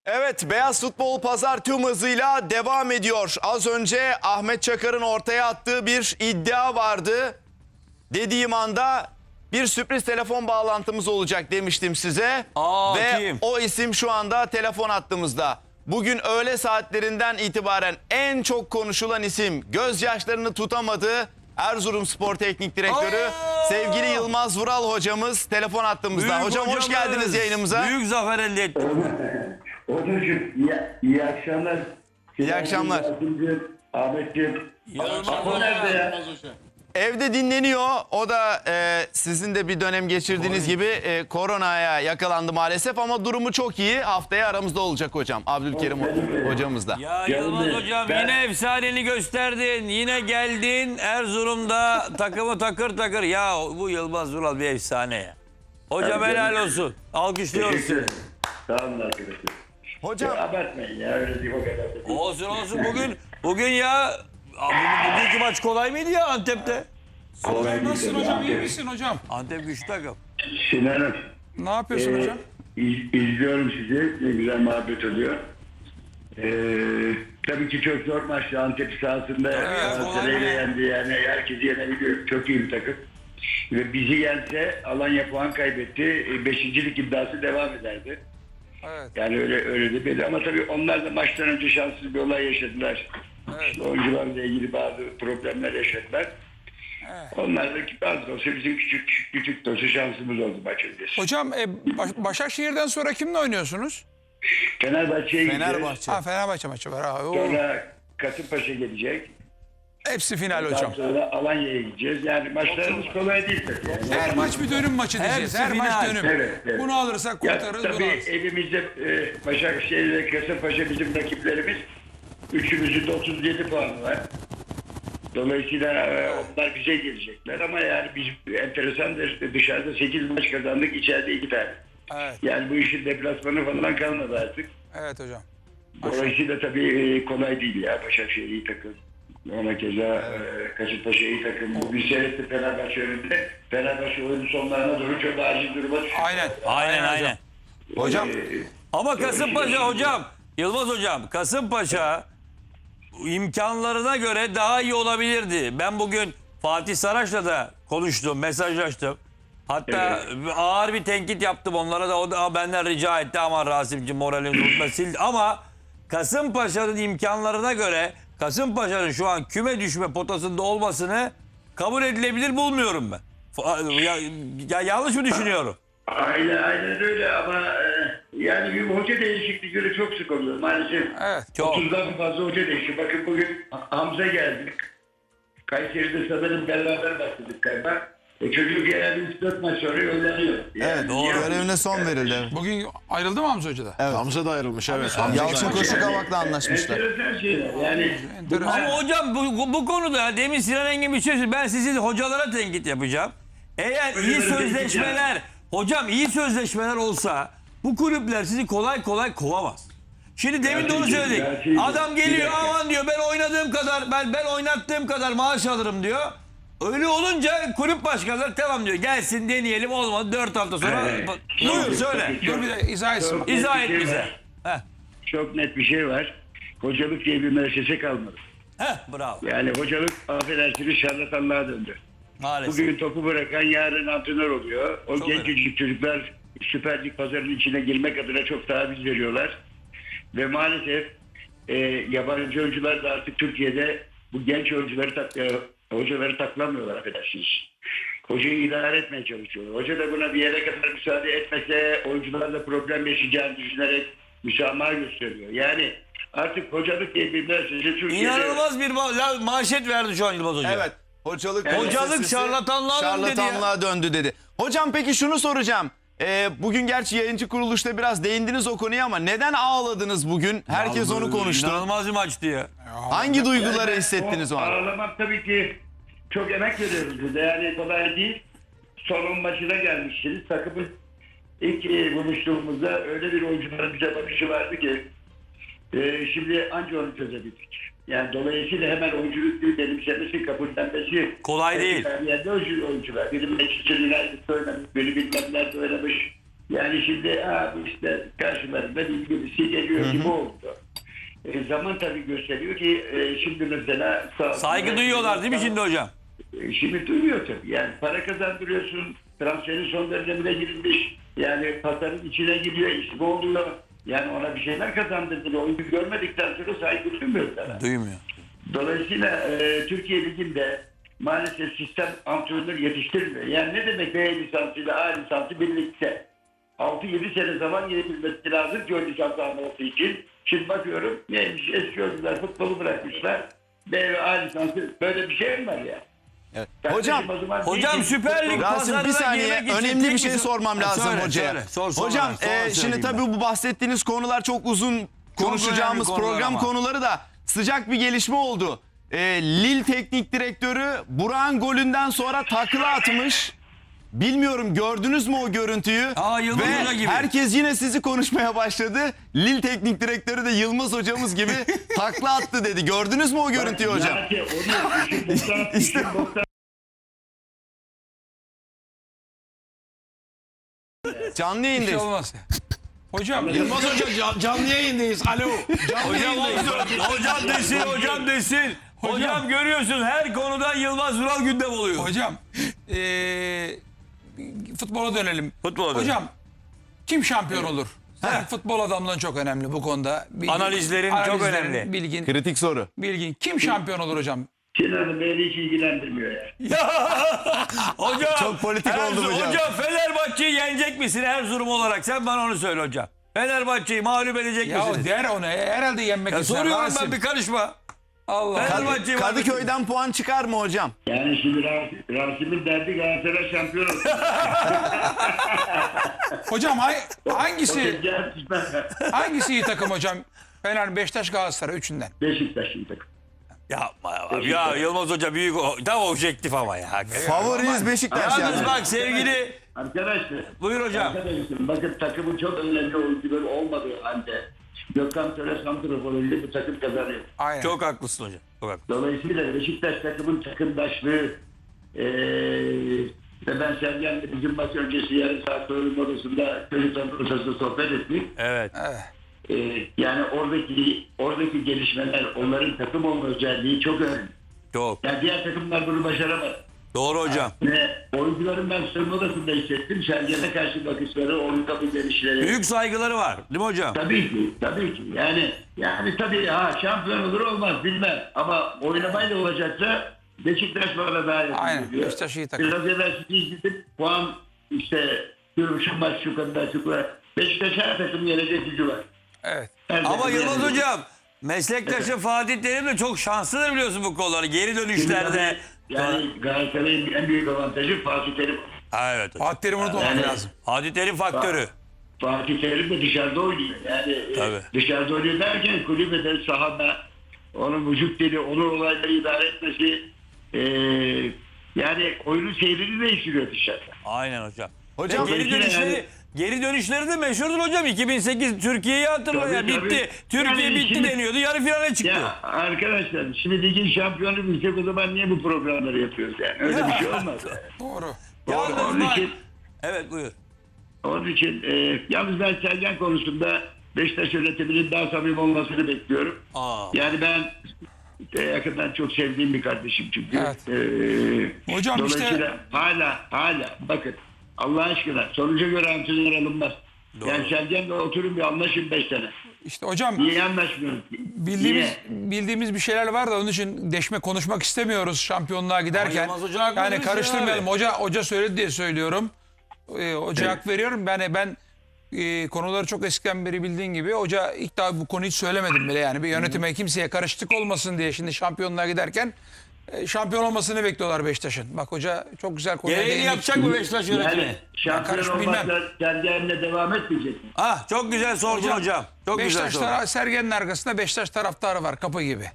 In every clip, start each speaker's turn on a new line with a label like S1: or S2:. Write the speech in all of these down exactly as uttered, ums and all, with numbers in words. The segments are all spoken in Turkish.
S1: Evet, Beyaz Futbol Pazar tüm hızıyla devam ediyor. Az önce Ahmet Çakar'ın ortaya attığı bir iddia vardı. Dediğim anda bir sürpriz telefon bağlantımız olacak demiştim size.
S2: Aa,
S1: Ve
S2: kim?
S1: o isim şu anda telefon hattımızda. Bugün öğle saatlerinden itibaren en çok konuşulan isim, gözyaşlarını tutamadı. Erzurumspor Teknik Direktörü
S2: Aa!
S1: sevgili Yılmaz Vural hocamız telefon hattımızda.
S2: Büyük
S1: Hocam hoş
S2: hocamız.
S1: geldiniz yayınımıza.
S2: Büyük zafer elde ettik.
S3: Hocacığım iyi, iyi akşamlar.
S1: İyi akşamlar.
S3: Ahmetciğim.
S2: Yılmaz
S3: Apo nerede ya?
S1: Evde dinleniyor. O da e, sizin de bir dönem geçirdiğiniz gibi e, koronaya yakalandı maalesef ama durumu çok iyi. Haftaya aramızda olacak hocam. Abdülkerim hocamız da.
S2: Ya
S3: Canım
S2: Yılmaz
S3: benim,
S2: hocam
S3: ben-
S2: yine efsaneni gösterdin. Yine geldin Erzurum'da takımı takır takır. Ya bu Yılmaz Vural bir efsane ya. Hocam
S3: Tabii
S2: helal
S3: canım.
S2: olsun. Alkışlıyoruz
S3: Teşekkür
S2: seni.
S3: ederim. Sağ olun arkadaşlar.
S1: Hocam
S3: Ya, abartmayın ya öyle değil o kadar. da değil.
S2: Olsun olsun bugün bugün ya abi, bugünkü maç kolay mıydı ya Antep'te?
S3: Kolay değil
S4: Nasılsın
S3: tabii.
S4: hocam? İyi misin hocam?
S2: Antep güçlü takım.
S3: Sinan'ım.
S4: Ne yapıyorsun
S3: e,
S4: hocam?
S3: iz- izliyorum sizi. Ne güzel muhabbet oluyor. E, tabii ki çok zor maçtı. Antep sahasında
S4: ya,
S3: Galatasaray'ı
S4: kolay mı?
S3: yendi. Yani herkesi yenebiliyor. Çok iyi bir takım. Ve bizi yense Alanya puan kaybetti. E, Beşincilik iddiası devam ederdi.
S4: Evet.
S3: Yani öyle öyle de belli ama tabii onlar da maçtan önce şanssız bir olay yaşadılar.
S4: Evet.
S3: İşte oyuncularla ilgili bazı problemler yaşadılar.
S4: Evet.
S3: Onlar da bazı olsa bizim küçük küçük de olsa şansımız oldu maç öncesi.
S4: Hocam e, Baş- Başakşehir'den sonra kimle oynuyorsunuz?
S3: Fenerbahçe'ye gideceğiz.
S1: Fenerbahçe.
S4: Ha Fenerbahçe maçı var. Ha, o,
S3: Sonra Kasımpaşa gelecek.
S4: hepsi final
S3: Daha
S4: hocam.
S3: sonra Alanya'ya gideceğiz. Yani maçlarımız kolay değil tabii. Yani.
S4: Her maç bir dönüm maçı diyeceğiz.
S2: Hepsi
S4: Her maç
S2: final.
S4: dönüm.
S3: Evet, evet.
S4: Bunu alırsak
S3: Ya,
S4: kurtarırız. Bunu
S3: tabii
S4: alırız.
S3: elimizde e, Başakşehir ve Kasımpaşa bizim rakiplerimiz. Üçümüzün de otuz yedi puanı var. Dolayısıyla e, onlar bize gelecekler ama yani biz enteresandır dışarıda sekiz maç kazandık, içeride iki tane.
S4: Evet.
S3: Yani bu işin deplasmanı falan kalmadı artık.
S4: Evet hocam.
S3: Dolayısıyla tabii e, kolay değil ya. Başakşehir iyi takım. Ona keza e, Kasımpaşa iyi takım. Bugün seyretti Fenerbahçe önünde. Fenerbahçe oyunun sonlarına doğru çok acil duruma düştü.
S4: Aynen.
S2: Aynen aynen.
S1: hocam
S3: E,
S2: Ama Kasımpaşa hocam, Yılmaz hocam, Kasımpaşa imkanlarına göre daha iyi olabilirdi. Ben bugün Fatih Saraç'la da konuştum, mesajlaştım. Hatta ağır bir tenkit yaptım onlara da, o da benden rica etti ama Rasim'ciğim moralini bozma sildi. Ama Kasımpaşa'nın imkanlarına göre Kasımpaşa'nın şu an küme düşme potasında olmasını kabul edilebilir bulmuyorum ben. Fa- Ya, ya yanlış mı düşünüyorum?
S3: Aynen, aynen öyle ama e, yani bir hoca değişiklikleri çok sık oluyor maalesef.
S4: Evet.
S2: Çok.
S3: otuzdan fazla hoca değişti. Bakın bugün Hamza geldi. Kayseri'de sanırım beraber başladık galiba. E çocuk genelde üç dört maç sonra yollanıyor. Yani
S1: evet
S2: doğru.
S1: görevine son verildi.
S4: Bugün ayrıldı mı Hamza Hoca da?
S1: Evet.
S5: Hamza da ayrılmış evet.
S1: Yalçın Koşukavak'la anlaşmışlar.
S3: enteresan şeyler. Yani
S4: Enteresan.
S2: Ama hocam bu, bu konuda demin Sinan Engin bir şey söyledi. Ben sizi hocalara tenkit yapacağım. Eğer iyi
S3: Hocalara
S2: sözleşmeler, hocam iyi sözleşmeler olsa bu kulüpler sizi kolay kolay kovamaz. Şimdi demin de onu
S3: Gerçekten,
S2: söyledik.
S3: gerçekten.
S2: Adam geliyor
S3: Bir dakika.
S2: aman diyor ben oynadığım kadar ben ben oynattığım kadar maaş alırım diyor. Öyle olunca kulüp başkanları tamam diyor. Gelsin deneyelim olmadı dört hafta sonra.
S3: Evet.
S2: Buyur söyle.
S4: Dur bir de izah etsin.
S3: Çok
S2: İzah
S3: net
S2: et
S3: bir şey
S2: bize.
S3: var.
S2: Heh.
S3: Çok net bir şey var. Hocalık diye bir müessese kalmadı.
S2: Heh, bravo.
S3: Yani hocalık affedersiniz şarlatanlığa döndü.
S2: Maalesef.
S3: Bugün topu bırakan yarın antrenör oluyor. O
S2: Çok
S3: genç
S2: öyle.
S3: çocuklar Süper Lig pazarının içine girmek adına çok taviz veriyorlar. Ve maalesef e, yabancı oyuncular da artık Türkiye'de bu genç oyuncuları tak, e, hocaları taklamıyorlar affedersiniz. Hocayı idare etmeye çalışıyorlar. Hoca da buna bir yere kadar müsaade etmese oyuncularla problem yaşayacağını düşünerek müsamaha gösteriyor. Yani artık hocalık diye bir mesajı Türkiye'de...
S2: İnanılmaz bir ma- la- manşet verdi şu an Yılmaz Hoca.
S1: Evet. Hocalık,
S2: Hocalık
S1: meselesi
S2: şarlatanlığa döndü dedi ya.
S1: şarlatanlığa döndü dedi. Hocam peki şunu soracağım. Ee, bugün gerçi yayıncı kuruluşta biraz değindiniz o konuya ama neden ağladınız bugün? Herkes onu konuştu.
S2: İnanılmaz bir maçtı ya.
S1: Hangi duyguları
S3: Yani
S1: hissettiniz o an?
S3: Ağlamak tabii ki çok emek veriyoruz burada. Yani kolay değil. Son on maçına gelmişsiniz. Takımın ilk e, buluştuğumuzda öyle bir oyuncuların bize bakışı vardı ki e, şimdi anca onu çözebildik. Yani dolayısıyla hemen oyunculuk değil benimsemesi, kabullenmesi.
S2: Kolay değil.
S3: Yani yerde oyuncu, oyuncular. Biri Manchester United'da oynamış, biri bilmem nerede oynamış. Yani şimdi ha, işte karşılarında birisi geliyor gibi oldu. E, zaman tabii gösteriyor ki e, şimdi mesela sağ-
S2: Saygı duyuyorlar değil mi şimdi hocam?
S3: E, Şimdi duyuyor tabii. Yani para kazandırıyorsun. Transferin son dönemine girilmiş. Yani pazarın içine giriyor. İsmi oluyor. Yani ona bir şeyler kazandırdılar. Oyunu görmedikten sonra saygı duymuyorlar.
S2: Duymuyor.
S3: Dolayısıyla e, Türkiye Ligi'nde maalesef sistem antrenör yetiştirmiyor. Yani ne demek B lisansıyla A lisansı birlikte? altı yedi sene zaman geçirmesi lazım ki o lisans alması için. Şimdi bakıyorum neymiş eski oyuncular futbolu bırakmışlar. B ve A lisansı böyle bir şey mi var ya?
S1: Evet.
S3: Kardeşim,
S1: Hocam,
S3: o zaman
S2: hocam
S3: değil ki
S2: Süper Lig
S3: futbol-
S1: Rasim
S2: pazarına
S1: bir saniye
S2: girmek için
S1: önemli bir
S2: tek
S1: şey
S2: bir-
S1: sormam
S2: Ha,
S1: lazım
S2: söyle,
S1: hocaya.
S2: söyle. Sor, sor
S1: Hocam
S2: bana, sonra
S1: e, şimdi
S2: söyleyeyim
S1: tabii
S2: ben.
S1: bu bahsettiğiniz konular çok uzun konuşacağımız
S2: önemli konular
S1: program
S2: ama.
S1: konuları da sıcak bir gelişme oldu. E, Lille teknik direktörü Burak'ın golünden sonra takla atmış. Bilmiyorum gördünüz mü o görüntüyü?
S2: Aa, Yılmaz
S1: Ve
S2: Hoca gibi.
S1: herkes yine sizi konuşmaya başladı. Lille teknik direktörü de Yılmaz hocamız gibi takla attı dedi. Gördünüz mü o görüntüyü hocam?
S3: Yani onu işin boktan,
S1: İşte-
S3: işin boktan
S1: Canlı
S4: Bir şey
S1: yayındayız.
S4: olmaz. Hocam
S5: Yılmaz Hoca can- canlı yayındayız. Alo. Canlı
S2: Hocam
S5: yayındayız.
S2: olsun. Hocam desin, hocam desin. Hocam görüyorsun her konuda Yılmaz Vural gündem oluyor.
S4: hocam eee futbola dönelim.
S2: Futbola dönelim.
S4: Hocam kim şampiyon olur? Sen futbol adamlığın çok önemli bu konuda. Bilgin-
S2: Analizlerin çok
S4: analizlerin,
S2: önemli.
S4: Bilgin,
S1: Kritik soru.
S4: bilgin. Kim şampiyon olur hocam?
S3: Sinan'ı beni hiç ilgilendirmiyor ya.
S2: Hocam.
S1: Çok politik
S2: Erzurum-
S1: oldu hocam.
S2: Hocam Fenerbahçe'yi yenecek misin Erzurum olarak? Sen bana onu söyle hocam. Fenerbahçe'yi mağlup edecek
S4: Ya
S2: misiniz?
S4: der onu. Herhalde yenmek
S2: Ya
S4: ister.
S2: soruyorum
S4: Rasim.
S2: ben, bir karışma.
S4: Allah Allah.
S2: Fenerbahçe'yi mağlup edecek.
S1: Kadıköy'den puan çıkar mı hocam?
S3: Yani şimdi Rasim, Rasim'in derdi Galatasaray şampiyon olsun.
S4: Hocam hay- hangisi
S3: Beşiktaş
S4: hangisi iyi takım hocam? Fener, Beşiktaş, Galatasaray üçünden.
S3: Beşiktaş'ın takım.
S2: Yapma ya. Ya Yılmaz Hoca büyük o- tam objektif ama ya.
S1: Favoriniz Beşiktaş
S2: Yalnız
S1: yani.
S2: bak sevgili.
S3: Arkadaşlar.
S2: Buyur hocam.
S3: Arkadaşlar bakın takımın çok önemli oyuncuları olmadığı halde Gökhan Töre santraforuyla bu takım kazanıyor.
S4: Aynen.
S2: Çok haklısın hocam. Çok haklısın.
S3: Dolayısıyla Beşiktaş takımın takımdaşlığı eee ve ben Sergen'le bizim maç öncesi yarım saat soyunma odasında çocukların odasında sohbet ettik.
S2: Evet.
S3: Eee, yani oradaki oradaki gelişmeler onların takım olma özelliği çok önemli.
S2: Çok.
S3: Yani diğer takımlar bunu başaramadı.
S2: Doğru hocam.
S3: Ve oyuncuların ben soyunma odasında hissettim. Sergen'e karşı bakışları, onun kapı gelişleri.
S2: Büyük saygıları var. Değil mi hocam?
S3: Tabii ki, tabii ki. Yani yani tabii ha şampiyon olur olmaz bilmem. Ama oynamayla olacaksa Beşiktaş bana daha yakın
S4: Aynen,
S3: geliyor.
S4: Beşiktaş iyi takım.
S3: Biraz evvel sizi izledim. Puan işte şu, şu maç şu kadar şu kadar. Beşiktaş her takım yenecek gücü var.
S4: Evet.
S3: Her
S2: Ama
S3: takım
S2: Yılmaz
S3: yenecek.
S2: hocam meslektaşı Fatih Terim de çok şanslıdır biliyorsun bu konuları. Geri dönüşlerde.
S3: Yani Galatasaray'ın en büyük avantajı Fatih Terim.
S2: Ha, evet hocam.
S4: Fatih Terim'i unutmamak
S3: Yani-
S4: lazım.
S2: Fatih Terim faktörü.
S3: Fatih Terim de dışarıda oynuyor. Yani e,
S2: Tabii.
S3: dışarıda oynuyor derken kulübede, sahada onun vücut dili, onun olayları idare etmesi e, yani oyunun seyrini değiştiriyor dışarıda.
S2: Aynen hocam.
S1: Hocam
S2: Geri
S3: Dolayısıyla
S2: dönüşleri,
S3: yani-
S2: geri dönüşleri de meşhurdur hocam. iki bin sekiz Türkiye'yi hatırla
S3: Tabii,
S2: ya.
S3: tabii.
S2: Bitti. Türkiye
S3: Yani
S2: bitti
S3: şimdi-
S2: deniyordu. Yarı finale çıktı.
S3: Ya arkadaşlar şimdi ligin şampiyonu bilsek o zaman niye bu programları yapıyoruz yani? Öyle bir şey olmaz. Yani.
S4: Doğru.
S2: Yalnız
S3: onun
S2: bak.
S3: için,
S2: Evet buyur.
S3: onun için e, yalnız ben Sergen konusunda Beşiktaş yönetiminin daha samimi olmasını bekliyorum.
S2: Aa.
S3: Yani ben e, yakından çok sevdiğim bir kardeşim çünkü.
S4: Evet.
S3: E,
S4: Hocam
S3: dolayısıyla
S4: işte-
S3: hala hala bakın Allah aşkına sonuca göre antrenör alınmaz.
S2: Doğru.
S3: Yani Sergen'le oturun bir anlaşın beş sene.
S4: İşte hocam
S3: Niye anlaşmıyoruz?
S4: bildiğimiz
S3: Niye?
S4: bildiğimiz bir şeyler var da onun için deşme konuşmak istemiyoruz şampiyonluğa giderken.
S2: Yılmaz Hoca haklı
S4: Yani
S2: demişsin
S4: karıştırmayalım.
S2: abi.
S4: Hoca hoca söyledi diye söylüyorum. Ee, hoca hak veriyorum. Ben ben e, konuları çok eskiden beri bildiğin gibi hoca ilk daha bu konuyu hiç söylemedim bile yani bir yönetime kimseye karışıklık olmasın diye şimdi şampiyonluğa giderken e, şampiyon olmasını bekliyorlar Beşiktaş'ın. Bak hoca çok güzel konuya
S2: Gereğini
S4: değindik.
S2: yapacak mı Beşiktaş yönetimi?
S3: Yani şampiyon
S4: karış
S3: olmakla
S4: bilmem.
S3: Sergen'le devam etmeyecek mi?
S2: Ah çok güzel sordun hocam. Çok güzel
S4: Beşiktaş
S2: sordun.
S4: tara- Sergen'in arkasında Beşiktaş taraftarı var kapı gibi.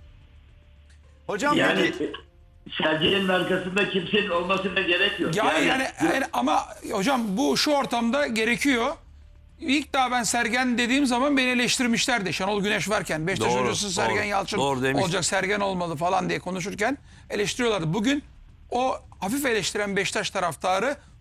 S1: hocam
S3: Yani
S1: peki
S3: e, Sergen'in arkasında kimsenin olmasına gerek yok.
S4: Ya yani, yani, ama hocam bu şu ortamda gerekiyor. İlk daha ben Sergen dediğim zaman beni eleştirmişlerdi. Şenol Güneş varken Beşiktaş
S2: Doğru,
S4: hocası Sergen
S2: doğru,
S4: Yalçın
S2: doğru demişler.
S4: olacak, Sergen olmalı falan diye konuşurken eleştiriyorlardı. Bugün o hafif eleştiren Beşiktaş taraftarı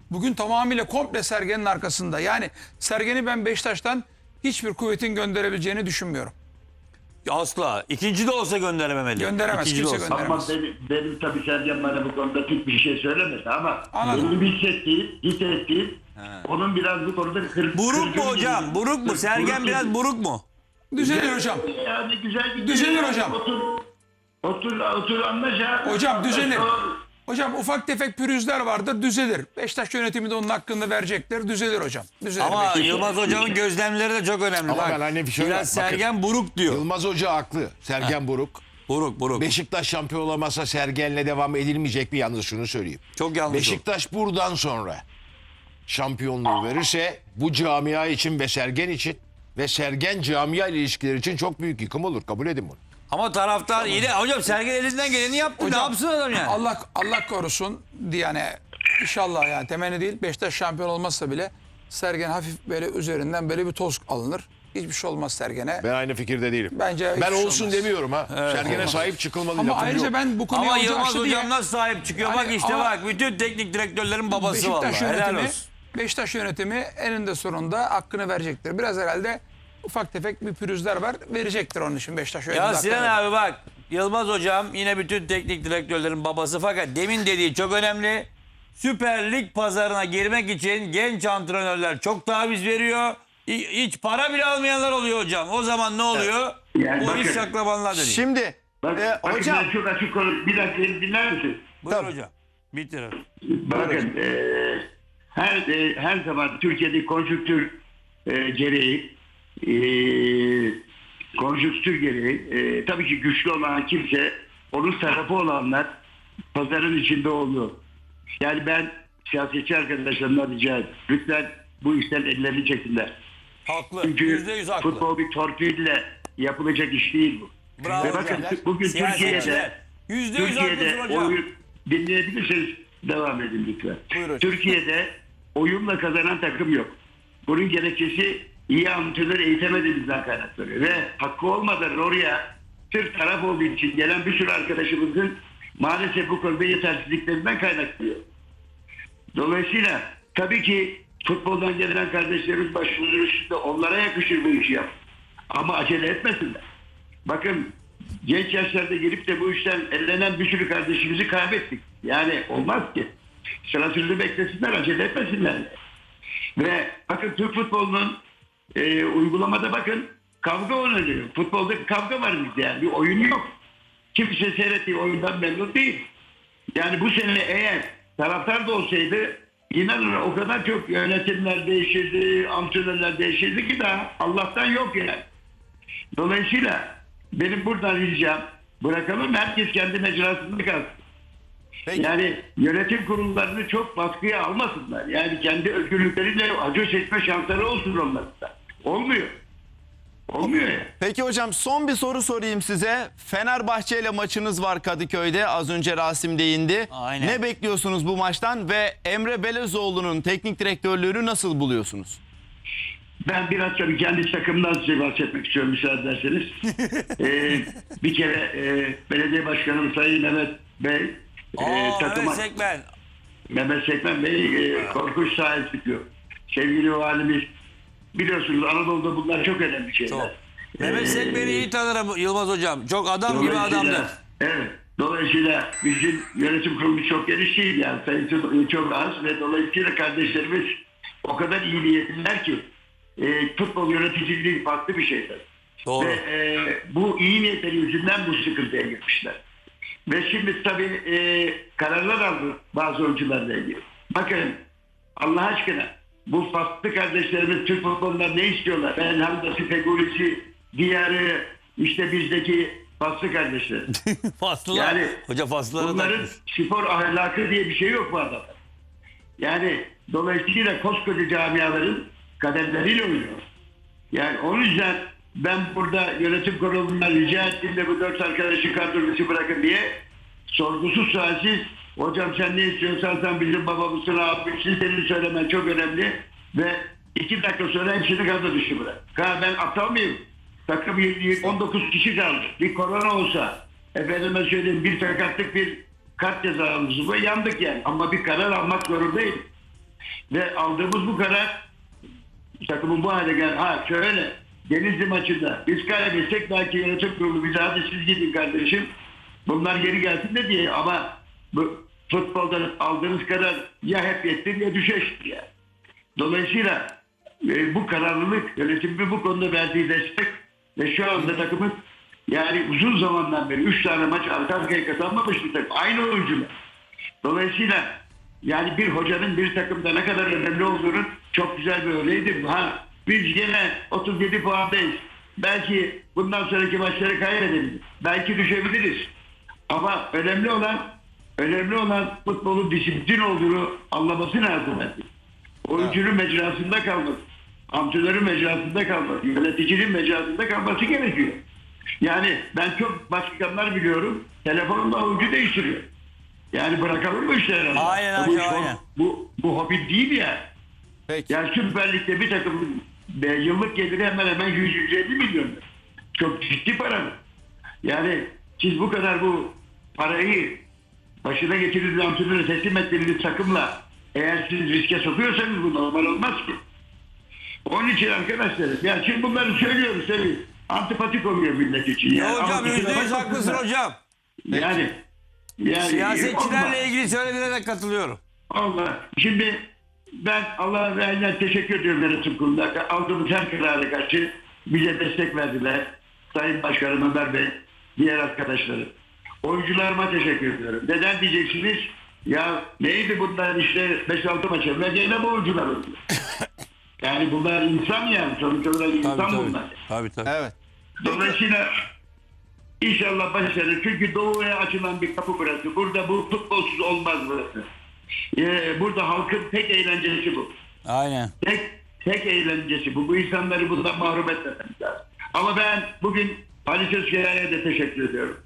S4: bugün tamamıyla komple Sergen'in arkasında. Yani Sergen'i ben Beşiktaş'tan hiçbir kuvvetin gönderebileceğini düşünmüyorum.
S2: Asla. İkinci de olsa gönderememeli.
S4: Gönderemez,
S2: İkinci de
S4: kimse
S2: olsa.
S4: gönderemez.
S3: Ama benim, benim tabii Sergen bana bu konuda pek bir şey söylemedi ama
S4: Anladım.
S3: benim hissettiğim, hissettiğim onun biraz bu konuda kır,
S2: Buruk mu
S3: kırgın
S2: hocam?
S3: gibi.
S2: Buruk mu? Sergen
S3: Buruk
S2: biraz
S3: gibi.
S2: buruk mu?
S4: Düzelir hocam.
S3: Yani güzel gidiyor.
S4: Düzelir
S3: Yani
S4: hocam.
S3: Otur, otur, otur anlaşa.
S4: Hocam düzenir.
S3: Doğru.
S4: Hocam ufak tefek pürüzler vardır, düzelir. Beşiktaş yönetimi de onun hakkında verecektir. Düzelir hocam. Düzelir.
S2: Ama
S4: Beşiktaş.
S2: Yılmaz Hocam'ın gözlemleri de çok önemli.
S5: Ama
S2: Bak,
S5: ben hani bir şey
S2: biraz
S5: bakın.
S2: Sergen buruk diyor.
S5: Yılmaz Hoca haklı. Sergen buruk.
S2: Buruk buruk.
S5: Beşiktaş şampiyon olamazsa Sergen'le devam edilmeyecek mi? Yalnız şunu söyleyeyim.
S2: Çok yanlış oldu.
S5: Beşiktaş buradan sonra şampiyonluğu verirse bu camia için ve Sergen için ve Sergen camia ile ilişkileri için çok büyük yıkım olur. Kabul edin bunu.
S2: Ama taraftar yine hocam Sergen elinden geleni yaptı. ne yapsın adam yani?
S4: Allah Allah korusun diye yani inşallah yani temenni değil. Beşiktaş şampiyon olmazsa bile Sergen hafif böyle üzerinden böyle bir toz alınır. Hiçbir şey olmaz Sergen'e.
S5: Ben aynı fikirde değilim.
S4: Bence hiçbir
S5: ben
S4: şey
S5: olsun
S4: olmaz.
S5: demiyorum ha. Sergen'e sahip çıkılmalı
S4: Ama
S5: lafım
S4: ayrıca
S5: yok.
S4: ben bu konuya
S2: Ama
S4: hoca
S2: Yılmaz
S4: açtı
S2: Hocam
S4: diye
S2: nasıl sahip çıkıyor?
S4: Yani
S2: bak işte
S4: ama-
S2: bak bütün teknik direktörlerin babası vallahi.
S4: Beşiktaş
S2: Helal
S4: yönetimi,
S2: olsun.
S4: Beşiktaş yönetimi eninde sonunda hakkını verecektir. Biraz herhalde ufak tefek bir pürüzler var. Verecektir onun için Beşiktaş yönetimi.
S2: Ya
S4: hakkını
S2: Sinan
S4: verecek.
S2: abi bak Yılmaz Hocam yine bütün teknik direktörlerin babası fakat demin dediği çok önemli. Süper Lig pazarına girmek için genç antrenörler çok taviz veriyor. Hi- Hiç para bile almayanlar oluyor hocam. O zaman ne oluyor?
S3: Yani
S2: Bu
S3: bakın-
S2: iş şaklabanlar dönüyor.
S1: Şimdi
S3: Bak,
S1: e,
S3: bakın
S1: hocam
S3: ben çok açık konuş. Bir dakika beni dinler misin?
S2: Buyur
S1: tabii.
S2: hocam. Bitir.
S3: Bakın e, her e, her zaman Türkiye'de konjüktür e, gereği e, konjüktür gereği e, tabii ki güçlü olan kimse onun tarafı olanlar pazarın içinde oluyor. Yani ben siyasetçi arkadaşlarımdan rica ediyorum. Lütfen bu işten ellerini çekinler.
S2: Haklı.
S3: Çünkü
S2: Yüzde yüz haklı.
S3: futbol bir torpille yapılacak iş değil bu.
S2: Bravo
S3: Ve bakın
S2: hocam.
S3: bugün
S2: Siyasetçiler.
S3: Türkiye'de
S2: Yüzde yüz
S3: Türkiye'de
S2: haklısın hocam.
S3: oyun dinleyebilirseniz devam edin lütfen.
S2: Buyur hocam.
S3: Türkiye'de oyunla kazanan takım yok. Bunun gerekçesi iyi antrenör eğitemediğimizden kaynaklanıyor. Ve hakkı olmadan oraya sırf taraf olduğu için gelen bir sürü arkadaşımızın maalesef bu konuda yetersizliklerinden kaynaklanıyor. Dolayısıyla tabii ki futboldan gelen kardeşlerimiz başımızın üstünde onlara yakışır bu işi yap. Ama acele etmesinler. Bakın genç yaşlarda gelip de bu işten ellenen bir sürü kardeşimizi kaybettik. Yani olmaz ki. Sırasını beklesinler, acele etmesinler. Ve bakın Türk futbolunun e, uygulamada bakın kavga oynanıyor. Futbolda bir kavga var bizde yani. Bir oyun yok. Kimse seyrettiği oyundan memnun değil. Yani bu sene eğer taraftar da olsaydı inanın o kadar çok yönetimler değişirdi, antrenörler değişirdi ki daha Allah'tan yok yani. Dolayısıyla benim buradan ricam bırakalım herkes kendi mecrasında kalsın.
S1: Peki.
S3: Yani yönetim kurullarını çok baskıya almasınlar. Yani kendi özgürlükleriyle acı çekme şansları olsun onların da. Olmuyor. Olmuyor ya.
S1: Peki hocam son bir soru sorayım size. Fenerbahçe ile maçınız var Kadıköy'de. Az önce Rasim değindi.
S2: Aynen.
S1: Ne bekliyorsunuz bu maçtan ve Emre Belezoğlu'nun teknik direktörlüğünü nasıl buluyorsunuz?
S3: Ben biraz tabii kendi takımdan size bahsetmek istiyorum müsaade ederseniz. ee, bir kere e, belediye başkanım Sayın Mehmet Bey e,
S2: Aa,
S3: takıma,
S2: evet Sekmen.
S3: Mehmet Sekmen Bey e, korkunç sahip çıkıyor. Sevgili valimiz biliyorsunuz Anadolu'da bunlar çok önemli şeyler.
S2: Çok. Mehmet
S3: Ee,
S2: Sekmen'i iyi tanırım Yılmaz Hocam. Çok adam gibi
S3: Dolayısıyla-
S2: adamdır.
S3: Evet. Dolayısıyla bizim yönetim kurulumuz çok geniş değil yani sayısı çok az ve dolayısıyla kardeşlerimiz o kadar iyi niyetliler ki e, futbol yöneticiliği farklı bir şeydir.
S2: Doğru.
S3: Ve e, bu iyi niyetleri yüzünden bu sıkıntıya girmişler. Ve şimdi tabii e, kararlar aldı bazı oyuncularla ilgili. Bakın Allah aşkına bu farklı kardeşlerimiz Türk futbolundan ne istiyorlar? Ben Hamdası, Fegulisi, Diyarı, işte bizdeki faslı kardeşler.
S2: Faslılar.
S3: Yani
S2: Hoca faslıları
S3: bunların
S2: takmış.
S3: spor ahlakı diye bir şey yok bu adamda. Yani dolayısıyla koskoca camiaların kaderleriyle oynuyor. Yani o yüzden ben burada yönetim kurulundan rica ettim de bu dört arkadaşı kadrosu bırakın diye sorgusuz sualsiz hocam sen ne istiyorsan sen bizim babamızsın abimsin senin söylemen çok önemli ve iki dakika sonra hepsini kadro dışı bırak. Ha ben aptal mıyım? Takım on dokuz kişi kaldı. Bir korona olsa efendime söyleyeyim bir sakatlık bir kart cezamız var yandık yani ama bir karar almak zorundayım. Ve aldığımız bu karar takımın bu hale gel. Ha şöyle Denizli maçında biz kaybetsek belki yönetim kurulu bize hadi siz gidin kardeşim. Bunlar geri gelsin de diye ama bu futboldan aldığınız karar ya hep yettir ya düşeştir ya. Dolayısıyla e, bu kararlılık yönetimin bu konuda verdiği destek ve şu anda takımın yani uzun zamandan beri üç tane maç arka arkaya kazanmamış bir takım. Aynı oyuncular. Dolayısıyla yani bir hocanın bir takımda ne kadar önemli olduğunu çok güzel bir örneğidir. Ha, biz gene otuz yedi puandayız. Belki bundan sonraki maçları kaybedebiliriz. Belki düşebiliriz. Ama önemli olan önemli olan futbolun disiplin olduğunu anlaması lazım. Oyuncunun mecrasında kalması, antrenörün mecrasında kalması, yöneticinin mecrasında kalması gerekiyor. Yani ben çok başkanlar biliyorum. Telefonla oyuncu değiştiriyor. Yani bırakalım mı işleri?
S2: Aynen
S3: bu,
S2: hocam, aynen.
S3: Bu, bu hobi değil ya.
S1: Peki.
S3: Yani Süper Lig'de bir takım e, yıllık geliri hemen hemen yüz yüz elli milyon. Çok ciddi para bu. Yani siz bu kadar bu parayı başına getirdiğiniz antrenöre teslim ettiğiniz takımla eğer siz riske sokuyorsanız bu normal olmaz ki. Onun için arkadaşlar yani şimdi bunları söylüyoruz tabii. Antipatik oluyor millet için.
S2: Ya
S3: Yani.
S2: hocam
S3: Ama
S2: yüzde
S3: kusura
S2: yüz
S3: bakmasın
S2: haklısın
S3: da.
S2: hocam.
S3: Yani, yani
S2: Siyasetçilerle
S3: olmaz.
S2: ilgili söylediğine de katılıyorum.
S3: Allah. Şimdi ben Allah'a ve aynen teşekkür ediyorum yönetim kuruluna. Aldığımız her karara karşı bize destek verdiler. Sayın Başkanım Ömer Bey, diğer arkadaşları. Oyuncularıma teşekkür ediyorum. Neden diyeceksiniz? Ya neydi bunlar işte beş altı maç evvel gene bu oyuncular oldu. Yani bunlar insan yani. Sonuç olarak insan
S2: Tabii tabii.
S3: bunlar.
S2: Tabii tabii.
S1: Evet.
S3: Dolayısıyla inşallah başarır. Çünkü doğuya açılan bir kapı burası. Burada bu futbolsuz olmaz burası. Ee, burada halkın tek eğlencesi bu.
S2: Aynen.
S3: Tek tek eğlencesi bu. Bu insanları bundan mahrum etmememiz lazım. Ama ben bugün Ali Sözkaya'ya da teşekkür ediyorum.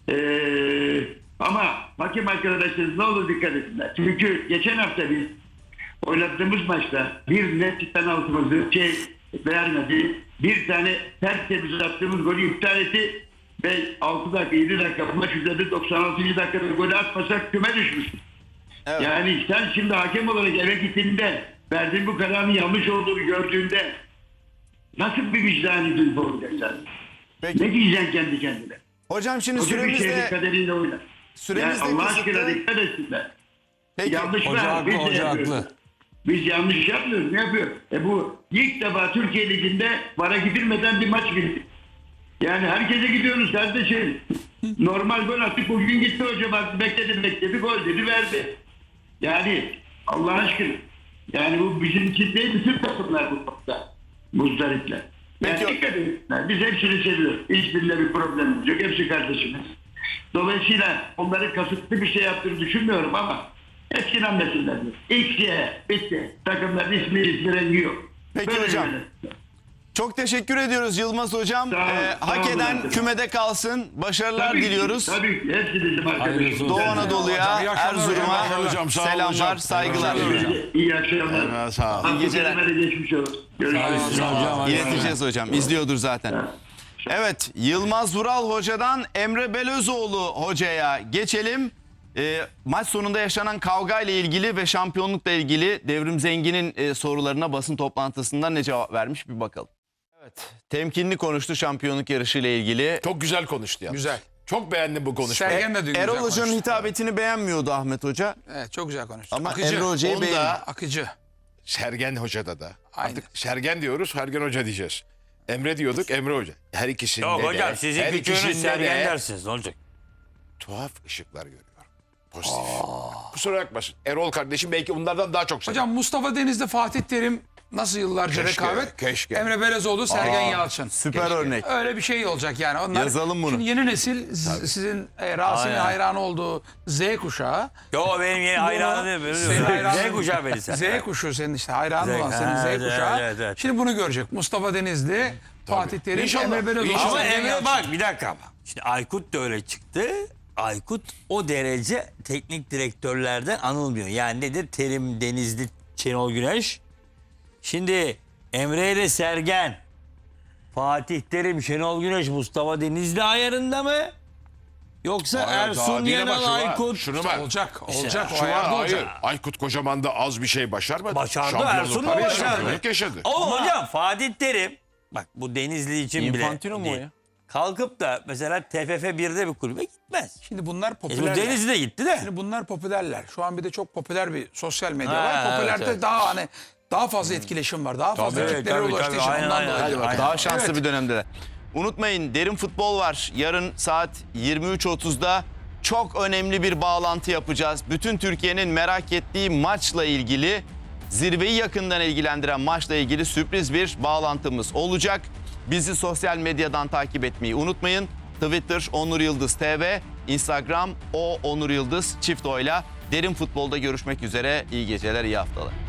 S3: Ee, ama hakim arkadaşlarımız ne olur dikkat etsinler. Çünkü geçen hafta biz oynadığımız maçta bir net penaltımızı şey vermedi. Bir tane tertemiz attığımız golü iptal etti. Ve altı dakika yedi dakika bu maç üzerinde doksan altıncı dakikada golü atmasak küme düşmüştük.
S1: Evet.
S3: Yani sen şimdi hakem olarak eve gittiğinde verdiğin bu kararın yanlış olduğunu gördüğünde nasıl bir vicdani duygu olacaksın?
S1: Peki.
S3: Ne diyeceksin kendi kendine?
S1: Hocam şimdi
S3: Koca bir
S1: süremiz
S3: şeyin
S1: de
S3: kaderiyle oynar.
S1: süremiz
S3: Yani
S1: de
S3: Allah aşkına
S1: kısıtlı.
S3: dikkat etsinler.
S1: Peki.
S3: Yanlış
S2: Hoca
S3: var.
S2: haklı,
S3: Biz de
S2: hoca
S3: yapıyoruz.
S2: haklı.
S3: Biz yanlış yapmıyoruz. Ne yapıyor? E bu ilk defa Türkiye Ligi'nde vara gidilmeden bir maç bitti. Yani herkese gidiyorsunuz kardeşim. Normal gol attık. Bugün gitti hoca bak bekledi bekledi gol dedi verdi. Yani Allah aşkına. Yani bu bizim için değil bütün takımlar bu konuda. Muzdaripler. Yani
S1: Peki.
S3: dikkat etsinler. Biz hepsini seviyoruz. Hiçbirinde bir problemimiz yok. Hepsi kardeşimiz. Dolayısıyla onların kasıtlı bir şey yaptığını düşünmüyorum ama hepsini anlasınlar. X'ye bitti. Takımların ismi ismi rengi yok.
S1: Peki
S3: Böyle
S1: hocam.
S3: böyle.
S1: Çok teşekkür ediyoruz Yılmaz Hocam.
S3: Sağ olun,
S1: Ee,
S3: sağ
S1: hak
S3: olun
S1: eden
S3: arkadaşlar.
S1: kümede kalsın. Başarılar
S3: Tabii ki,
S1: diliyoruz.
S3: Tabii ki. Hepsi bizim
S2: Hayırlısı
S3: arkadaşımız.
S2: olsun.
S1: Doğu Anadolu'ya,
S4: Hocam, iyi akşamlar
S1: Erzurum'a
S5: hocam. Hocam, sağ olun
S1: selamlar,
S5: hocam.
S1: saygılar.
S5: Sağ olun hocam.
S3: İyi akşamlar.
S5: Evet, sağ olun.
S1: İyi geceler.
S3: Abdülkerim'e de geçmiş olsun. Görüşürüz.
S2: Sağ olun hocam.
S1: İleteceğiz hocam. İzliyordur zaten. Evet, Yılmaz Vural Hoca'dan Emre Belözoğlu Hoca'ya geçelim. Ee, maç sonunda yaşanan kavga ile ilgili ve şampiyonlukla ilgili Devrim Zengin'in e, sorularına basın toplantısında ne cevap vermiş bir bakalım. Evet, temkinli konuştu şampiyonluk yarışı ile ilgili.
S5: Çok güzel konuştu ya.
S4: Güzel.
S5: Çok beğendim bu konuşmayı.
S4: Sergen de dün güzel
S1: Erol Hoca'nın
S4: konuştu.
S1: hitabetini beğenmiyordu Ahmet Hoca.
S4: Evet, çok güzel konuştu.
S1: Ama
S4: Akıcı.
S1: Emre Hoca'yı
S5: Onda
S1: beğendi.
S4: Akıcı.
S5: Sergen Hoca'da da.
S4: Aynen.
S5: Artık Sergen diyoruz, Sergen Hoca diyeceğiz. Emre diyorduk, Emre Hoca. Her ikisinde
S2: Yok
S5: de.
S2: hocam sizin
S5: her
S2: küçüğünüz
S5: ikisinde
S2: Sergen
S5: de
S2: dersiniz. Ne olacak?
S5: tuhaf ışıklar görüyorum. Pozitif. Kusura bakmasın. Erol kardeşim belki bunlardan daha çok sever.
S4: Hocam Mustafa Denizli, Fatih Terim nasıl yıllarca
S5: Keşke,
S4: rekabet?
S5: keşke.
S4: Emre Belözoğlu, Sergen Yalçın.
S1: Süper örnek.
S4: Öyle bir şey olacak yani. Onlar,
S1: Yazalım bunu.
S4: Şimdi yeni nesil z- sizin e, Rasim'in
S2: Aynen.
S4: hayranı olduğu Z kuşağı.
S2: Yo benim yeni hayranı değil.
S4: Senin
S2: Benim
S4: hayranın-
S2: Z kuşağı beni sen.
S4: Z kuşu senin işte hayranın
S2: Z-
S4: olan senin
S2: Ha,
S4: Z
S2: evet,
S4: kuşağı.
S2: evet, evet.
S4: Şimdi bunu görecek. Mustafa Denizli, Fatih Terim,
S5: İnşallah,
S4: Emre Belözoğlu.
S5: inşallah.
S2: Ama
S4: Sergen
S2: Emre
S4: Yalçın.
S2: bak bir dakika ama. Şimdi Aykut da öyle çıktı. Aykut o derece teknik direktörlerden anılmıyor. Yani nedir? Terim, Denizli, Şenol Güneş. Şimdi Emre ile Sergen, Fatih Terim, Şenol Güneş, Mustafa Denizli ayarında mı? Yoksa
S5: Hayır, daha
S2: Ersun
S5: değil ama
S2: Yanal,
S5: şu var,
S2: Aykut.
S5: Şunu var.
S4: Olacak, olacak. o
S5: Şu var,
S4: ayarda
S5: hayır.
S4: olacak.
S5: Aykut Kocaman da az bir şey başarmadı.
S2: Başardı,
S5: Şampiyonluk,
S2: Ersun da
S5: tabii
S2: başardı.
S5: şampiyonluk yaşadı.
S2: Ama hocam Fatih Terim, bak bu Denizli için
S1: Infantino
S2: bile
S1: mu o
S2: değil.
S1: ya?
S2: Kalkıp da mesela T F F birde bir kulübe gitmez.
S4: Şimdi bunlar
S2: E bu
S4: popülerler.
S2: Denizli'de gitti de.
S4: Şimdi bunlar popülerler. Şu an bir de çok popüler bir sosyal medya
S2: Ha,
S4: var. Popülerde
S2: evet, evet.
S4: daha hani daha fazla etkileşim var. Daha fazla
S2: Tabii,
S4: kitlere
S2: tabii,
S4: ulaştığı
S2: tabii.
S4: için
S2: Aynen,
S4: ondan
S2: aynen,
S4: dolayı.
S2: aynen.
S1: Daha şanslı
S4: Evet.
S1: bir dönemde. Unutmayın derin futbol var. Yarın saat yirmi üç otuzda çok önemli bir bağlantı yapacağız. Bütün Türkiye'nin merak ettiği maçla ilgili, zirveyi yakından ilgilendiren maçla ilgili sürpriz bir bağlantımız olacak. Bizi sosyal medyadan takip etmeyi unutmayın. Twitter Onur Yıldız T V, Instagram o Onur Yıldız çift oyla. Derin futbolda görüşmek üzere. İyi geceler, iyi haftalar.